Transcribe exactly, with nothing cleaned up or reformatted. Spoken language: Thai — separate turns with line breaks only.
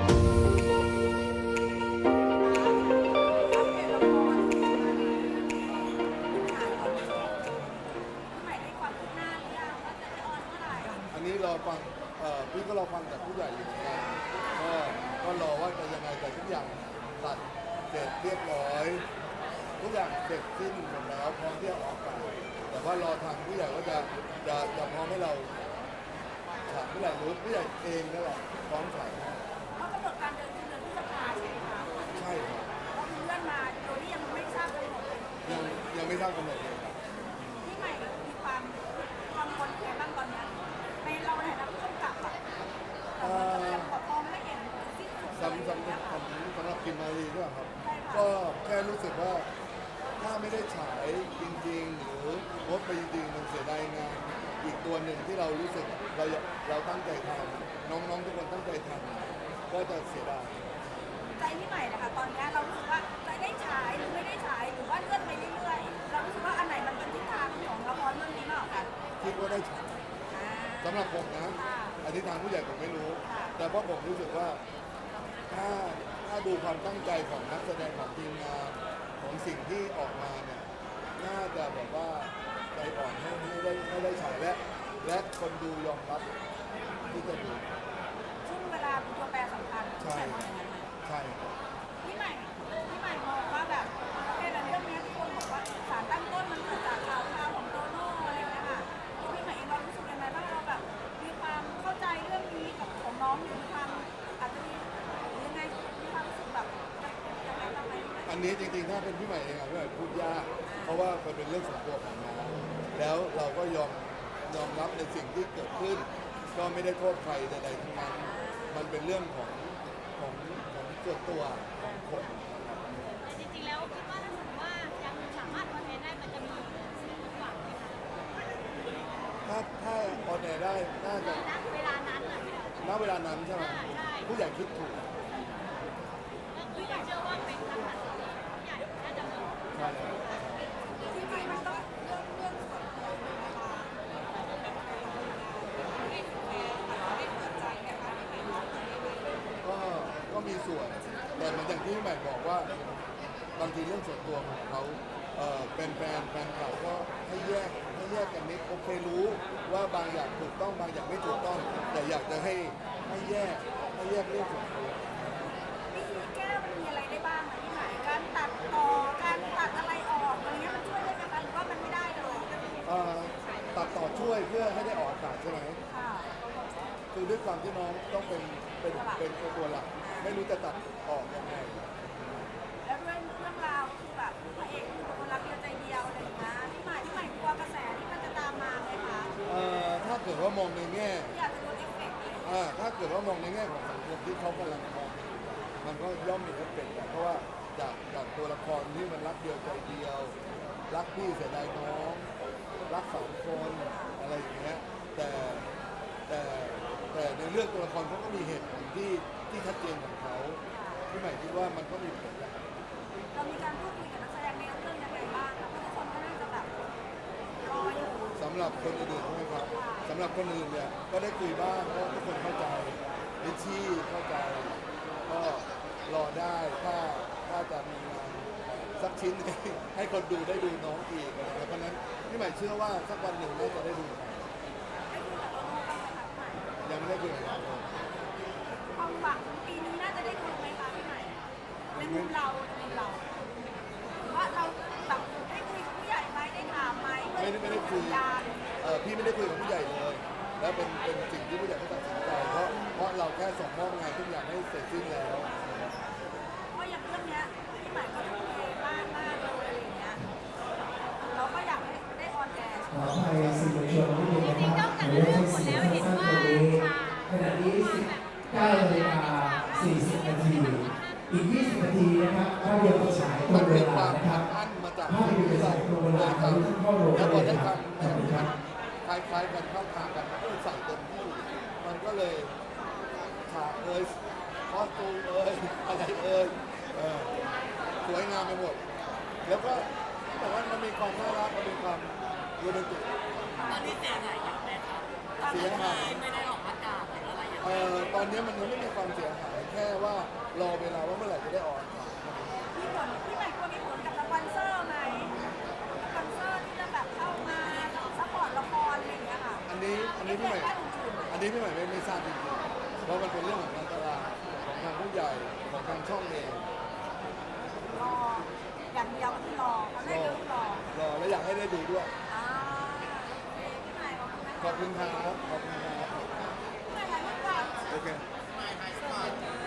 อันนี้รอฟังเอ่อพี่ก็รอฟังจากผู้ใหญ่อยู่เหมือนกันก็ก็รอว่าจะยังไงแต่ทุกอย่างตัดเสร็จเรียบร้อยทุกอย่างเสร็จสิ้นหมดแล้วพร้อมที่จะออกไปแต่ว่ารอทางผู้ใหญ่ว่าจะจะจะพร้อมให้เราฉายเมื่อไหร่รู้ผู้ใหญ่เองนั่นแหละพร้อมฉาย
เขากำหนดการเดินคือเดือนพฤษภาใช่ไหมคะ
ใช่ครับ
ก็คือเลื่อนมาโดยที่ยังไม่ทราบกำหนดเลย
ยังยังไม่ทราบกำหนดเลยครับ
ที่ใหม่มีความกังวลแค่บ้างตอนนี้ในเราในฐานะผู้กำกับอะยังขอพอไม่ได้เห็นสิ้นสุด
สำสำสำสำหรับกิมมารีด้วยครับก็แค่รู้สึกว่าถ้าไม่ได้ฉายจริงๆหรือลดไปจริงๆมันเสียดายงานอีกตัวหนึ่งที่เรารู้สึกเราเราตั้งใจทำน้องๆทุกคนตั้งใจทำก็จะเสียดาย
ใจที่ใหม่นะคะตอนนี้เรารู้สึกว่าจะได้ฉายหรือไม่ได้ฉายหรือว่าเลื่อนไปเรื่อยๆเรารู้สึกว่าอันไหนมันเป็นทิศทางของละครเรื่องนี้มากกว่ากัน
คิดว่าได้ฉาย
อ่า
สำหรับผมนะ
ค่ะ
อันนี้ทางผู้ใหญ่ผมไม่รู้
ค่ะ
แต่เพราะผมรู้สึกว่าถ้าถ้าดูความตั้งใจของนักแสดงของทีมงานของสิ่งที่ออกมาเนี่ยน่าจะแบบว่าใจอ่อนให้ให้ได้ให้ได้ฉายและและคนดูยอมรับที่จะดู
ช่วงเวลาเป็นตัวแปรสำคัญ
ใช่
แต่มองอย่างนั้นไหม
ใช่ครับ
พี่ใหม่พี่ใหม่มองว่าแบบโอเคแต่เรื่องนี้ทุกคนบอกว่าสารตั้งต้นมันเกิดจากข่าวข่าวของโตโน่อะไรอย่างเงี้ยค่ะที่พี่ใหม่เองเรารู้สึกยังไงบ้างเราแบบมีความเข้าใจเรื่องนี้กับของน้องหรือมีความอาจจะมีหรือยังไงมีความรู้สึกแบบยังไงบ้างไหม
อันนี้จริงๆถ้าเป็นพี่ใหม่เองอะพี่ใหม่พูดยากเพราะว่ามันเป็นเรื่องส่วนตัวของน้องแล้วเราก็ยอมยอมรับในสิ่งที่เกิดขึ้น ก็ไม่ได้โทษใครใดๆทั้งนั้นมันเป็นเรื่องของของของส่วนตัวของคน
แต่จริงๆแล้วคิดว่าถ้าสมมติว่ายังสามารถคอนเทนต์ได้มันจะมีสิ่งหวังไหมคะ
ถ้าถ้าออนแอร์ได้น่าจะ
ณเวลานั้นอ่ะ
ณเวลานั้นใช่ไหม
ใช่
ผู้ใหญ่คิดถูก
ก็คืออยากเชื่อว่าเป็นการตัดสินใจผู้ใหญ่น่าจะมอง
ใช่แล้ว
จริงๆมันต้องเรื่องเรื่องส่วนตัวนะคะไม่ถึงแม้ไม่เปิดใจนะคะไม่เป็นไร
ก็ก็มีส่วนแต่มันอย่างที่พี่ใหม่บอกว่าบางทีเรื่องส่วนตัวของเขาเอ่อเป็นแฟนแฟนเขาก็ให้แยกให้แยกกันนิดโอเครู้ว่าบางอย่างถูกต้องบางอย่างไม่ถูกต้อง แต่อยากจะให้ให้แยกให้แยกเรื่องส่วนตัว
วิธีแก้มันมีอะไรได้บ้างอะพี่ใหม่การตัดต่อการตัดอะไรออกอะไรเงี้ยมันช่วยได้ไหมคะหรือว่ามันไม่ได้เลย
เอ่อตัดต่อช่วยเพื่อให้ได้ออกอากาศใช่ไหม
ค่ะ
คือด้วยความที่น้องต้องเป็นเป็นเป็นตัวหลักไม่รู้จะตัดออกยังไง
แล้วด้วยเรื่องราวคือแบบพระเอกคือคนรักเดียวใจเดียวอะไรอย่างเงี้ยพี่ใหม่พี่ใหม่กลัวกระแสที่มันจะตามมาไหมคะ
เอ่อถ้าเกิดว่ามองในแง่
ที่อาจจะโดนเอฟเฟกต์เลย
อ่าถ้าเกิดว่ามองในแง่ของสังคมที่เขากำลังมองมันก็ย่อมมีเอฟเฟกต์แหละเพราะว่าจากจากตัวละครที่มันรักเดียวใจเดียว รักพี่เสียดายน้อง รักสองคนอะไรอย่างเงี้ยแต่แต่แต่ในเรื่องตัวละครเขาก็มีเหตุผลที่ที่ชัดเจนของเขาพี่ใหม่คิดว่ามันก็มีผลแหละ
เรามีการพูดคุยกับนักแสดงในเรื่องยังไงบ้างคะเพราะทุกคนก็น่าจะแบบรออยู่
สำหรับคนอื่นๆใช่ไหมครับสำหรับคนอื่นเนี่ยก็ได้คุยบ้างเพราะทุกคนเข้าใจลิชชี่เข้าใจ ก็รอได้ถ้าถ้าจะมีงานสักชิ้น ให้ให้คนดูได้ดูน้องอีกนะครับเพราะฉะนั้นพี่ใหม่เชื่อว่าสักวันหนึ่งน่าจะได้ดูกัน
ได้คุยกับโตโน่บ้างไหมคะพี่ใหม่
ยังไม่ได้คุยกับเราเลย
ความหวังปีนี้น่าจะได้ดูไหมคะพี่ใหม่ในมุมเราในมุมเราหรือว่าเราแบบได้คุยกับผู้ใหญ่ไหมได้ถามไหม
ไม่ได้ไม่ได้คุย
สัญญาณ
เออพี่ไม่ได้คุยกับผู้ใหญ่เลย แล้วเป็นเป็นสิ่งที่ผู้ใหญ่เขาตัดสินใจเพราะเพราะเราแค่ส่งมอบงานทุกอย่างให้เสร็จสิ้นแล้ว
เพราะอย่างเรื่องเนี้ยพี่ใหม่ก็ทุ่มเทมากมากเลยอะไรอย่างเงี้ยเราก็อยากให้ได้ออนแอร์
ขออภัยสื่อมวลชนนิดนึงนะครับขออนุญาตให้สื่อสั้นๆตรงนี้ขณะนี้สิบเก้านาฬิกาสี่สิบนาทีอีกยี่สิบนาทีนะครับภาพยนตร์ฉายตร
มัน
งเว
เป็นค
ลาว
าม
นะครับ
อั้นมาจาก
ภาพยนตร์ฉายตรงเวลา
ท
ทะลุเข้าโรง
แล้วพ
เล
อย ได้
ครับ
ทำเนี่ยมันคล้ายๆกันเข้าทางกันก็เลยใส่เต็มที่มันก็เลยฉากเอ่ยคอสตูมเอ่ยอะไรเอ่ยเออสวยงามไปหมด แล้วก็แต่ว่ามันมีความน่ารักมันมีความโรแมนติก
ตอนนี้เสียหายเยอะไหมครับ
เสียหาย
ไม่ได้ออกอากาศหรืออะไรอย่าง
เอ่
เงี้ย
อตอนนี้มันยังไม่มีความเสียหายแค่ว่ารอเวลาว่าเมื่อไหร่จะได้ออน
มีผลพี่ใหม่กลัวมีผลกับสปอนเซอร์ไหมสปอนเซอร์ที่จะแบบเข้ามาซัพพอร์ตละครอะไรอย่างเงี้ยค่ะ
อันนี้อันนี้พี่ใหม่อันนี้พี่ใหม่ไม่ไม่ทราบจริงๆเพราะมันเป็นเรื่องของการตลาดของทางผู้ใหญ่ของทางช่องเอง
รออย่างเดียวก็คือรอเขา
ร
ได้
อ
เรื่องรอ
รอและอยากให้ได้ดูด้วย
อ่าโอเคพี่ใหม่ขอบคุณนะคะ
ขอบคุณครับขอบคุณครับ
พี่ใหม่ถ่ายรูปก่อน
โอเค
เ